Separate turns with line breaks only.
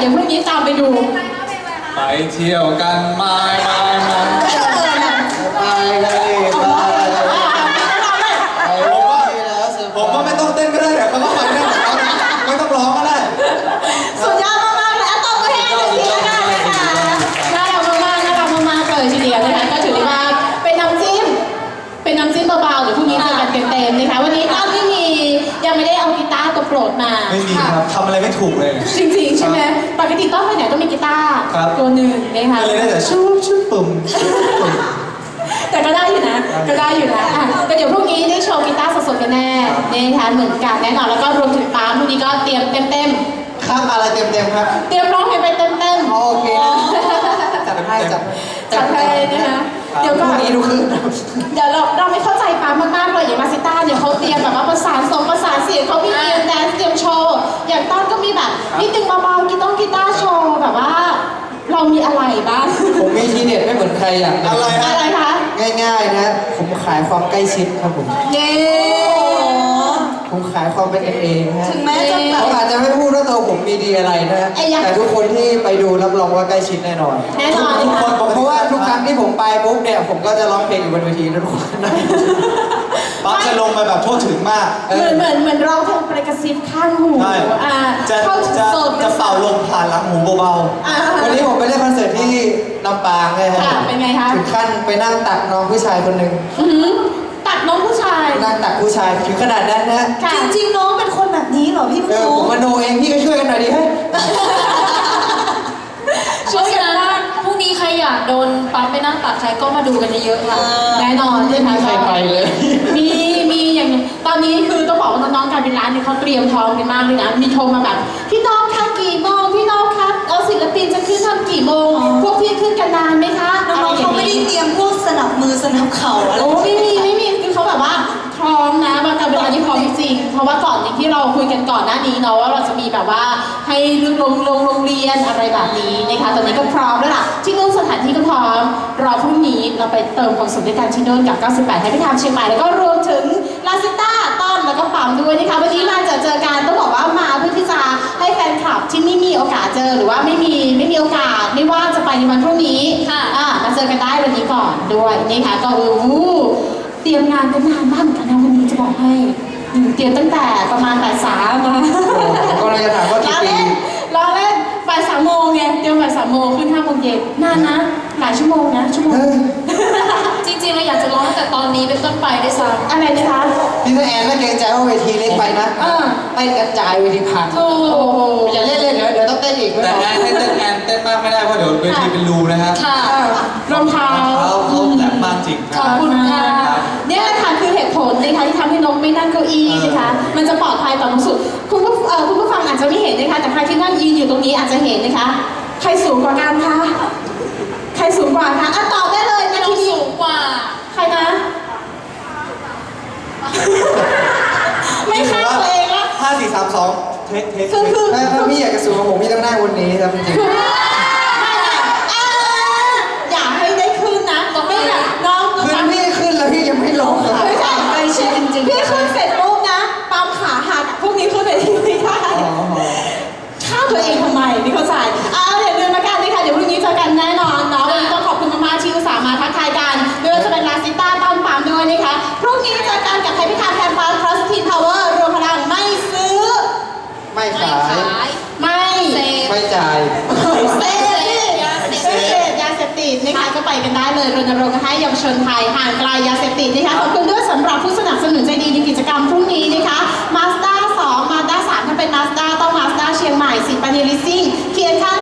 ยวพรุ่งนี้ตามไปดู
ไปเที่ยวกันมาผมว่าไม่ต้องเต้นก็ได้เดี๋ยวเขาก็ไปได้ไม่ต้องร้องก็ได้
สุดยอดมากๆเลยตบมือให้หนึ่งทีแล้วกันนะคะน่ารักมากๆเลยทีเดียวนะคะก็ถือว่าเป็นน้ำจิ้มเบาๆเดี๋ยวพรุ่งนี้เจอกันเต็มๆนะคะวันนี้ต้นไม่มียังไม่ได้เอากีตาร์ตัวโปรดมา
ไม่มีครับทำอะไรไม่ถูกเลย
จริงๆใช่ไหมปกติต้นไปไหนต้องมีกีตาร์ตัวหนึ่งนะคะ
เลยได้แต่ชุบปุ่ม
แต่ก็ได้อยู่นะก็เดี๋ยวพรุ่งนี้ได้โชว์กีตาร์สดๆกันแน่นะคะเหมือนกันแน่นอนแล้วก็รวมถึงปาล์มพรุ่งนี้ก็เตรียมเต็ม
ครับอะไรเต็มครับ
เตรียมร้องเพลงไปเต็ม
โอเคจัดให้
นะคะเดี๋ยวก่อน
นี้ดูคือ
เดี๋ยวเราไม่เข้าใจปาล์มมากๆเลยอย่างมาซิต้าเนี่ยเขาเตรียมแบบว่าประสานเสียงเขามีเตรียมแดนซ์เตรียมโชว์อย่างต้นก็มีแบบนิดนึงเบาๆกีตาร์โชว์แบบว่าเรามีอะไรบ้าง
ผมมีทีเด็ดไม่เหมือนใครอย่าง
อะไรคะ
ง่ายๆนะผมขายความใกล้ชิดครับผมผมขายความเป็นเองฮะ
ถึงแม้จะ
ผมอาจจะไม่พูดว่าตัวผมมีดีอะไรนะแต่ทุกคนที่ไปดูรับรองว่าใกล้ชิดแน่นอนทุกคนเพราะว่าทุกครั้งที่ผมไปปุ๊บเนี่ยผมก็จะร้องเพลงอยู่บนเวทีนะทุกคน
ปั๊บจะลงไปแบบทั่วถึงมาก
เหมือนร้องเพลงประกระซิบข้างหู
จะเป่าลมผ่านหลังหูเบา
ๆวันนี้ผมไปเล่นคอนเสิร์ตที่ลำปางเลยครับ
เป็นไงคะ
ถึงขั้นไปนั่งตักน้องผู้ชายคนหนึ่ง
ตักน้องผู้ชาย
นั่งตักผู้ชายถึงขนาดนั้นนะ
จริงๆน้องเป็นคนแบบนี้เหรอพี่
ผมมโนเองพี่ก็ช่วยกันหน่อยดิให้
ช่วยกันนะพรุ่งนี้ใครอยากโดนปั๊มไปนั่งตัดใครก็มาดูกันเยอะๆค่ะ
แน่นอน
ไม่มีใครไปเลย
มีอย่างตอนนี้คือต้องบอกว่าน้องๆการเป็นร้านเนี่ยเขาเตรียมพร้อมกันมากเลยนะมีโทรมาแบบพี่น้องคะกี่โมงพี่น้องคะเอาศิลปินจะขึ้นทำกี่โมงพวกพี่ขึ้นกันนานไหมคะ
น้องๆเขาไม่ได้เตรียมพวกสนับมือสนับเข่าอะไร
ไม่มีคือเขาแบบว่าพร้อมนะบางการเวลาที่พร้อมจริงเพราะว่าก่อนอย่างที่เราคุยกันก่อนหน้านี้เนาะว่าเราจะมีแบบว่าให้เรื่องโรงเรียนอะไรแบบนี้นะคะตอนนี้ก็พร้อมแล้วล่ะที่นู่นสถานที่ก็พร้อมรอพรุ่งนี้เราไปเติมความสุขด้วยกันที่นู่นกับ98ให้พี่ทำเชียงใหม่แล้วก็รวมถึงลาซิต้าต้นแล้วก็ปั๊มด้วยนะคะวันนี้มาเจอกันต้องบอกว่ามาเพื่อที่จะให้แฟนคลับที่ไม่มีโอกาสเจอหรือว่าไม่มีโอกาสไม่ว่าจะไปในวันพรุ่งนี้มาเจอกันได้วันนี้ก่อนด้วยนะคะก็เตรียมงานกันนานมากเหมือนกันนะวันนี้จะบอกให้เตรียมตั้งแต่ประมาณบ่าย 3มา
ก็เลยจะถามว่ากี่ปี
รอเล่นบ่าย 3 โมงไงเตรียมบ่าย 3 โมงขึ้น5 โมงเย็นนานนะหลายชั่วโมงนะ
จริงๆเราอยากจะร้องแต่ตอนนี้เป็นต้นไปได้ซ้ำ
อะไรนะคะ
พี่แอนไม่เกรงใจว่าเวทีเล็กไปนะเต้นกระจายเวทีพังอย่าเล่นเดี๋ยวต้องเต้นอีก
แต่แอนให้เต้นมากไม่ได้เพราะเดี๋ยวเวทีเป็นรูนะครับ
รองเท้า
เขาแหลมมากจริง
ขอบคุณค่ะเนี่ยค่ะคือเหตุผลนะคะที่ทำให้นกไม่นั่งเก้าอี้นะคะมันจะปลอดภัยต่อน้องสุดคุณผู้ฟังอาจจะไม่เห็นนะคะแต่ใครที่นั่งยืนอยู่ตรงนี้อาจจะเห็นนะคะใครสูงกว่ากันคะใครสูงกว่าคะตอบได้เลย
นะที่สูงกว่า
ใครนะไม่ฆ่าตัวเองละ
5 4 3 2เทค
คือ
ถ้าพี่อยากจะสูงกว่าผมพี่ต้องนั่งบนนี้ครับจริง
อย่าให้ได้ขึ้นนะไม่แบบน้อง
ขึ้นพี่ขึ้นแล้วพี่ยังไม่ลง
ไม่ใช่ใกล้ชิดจริงๆพี่ขึ้นเสร็จปุ๊บนะปั๊มขาหักพวกนี้ขึ้นไปที่ไม่ได้ฆ่าตัวเองทำไมไม่เข้าใจอย่าลืมละกันนะคะเดี๋ยวพรุ่งนี้เจอกันแน่นอนเนาะวันนี้ต้องขอบคุณมากๆที่อุตส่าห์มาทักทายกันไม่ว่าจะเป็นลาซิต้าต้นปั๊มด้วยนะคะพรุ่งนี้เจอกันกับไทยพิธาแคมปัส Plus Teen Power รวมพลังไม่ซื้อ
ไม่ขาย
ไม่
จ่าย
เสพยาเสพติดนะคะก็ไปกันได้เลยรณรงค์ให้เยาวชนไทยห่างไกลยา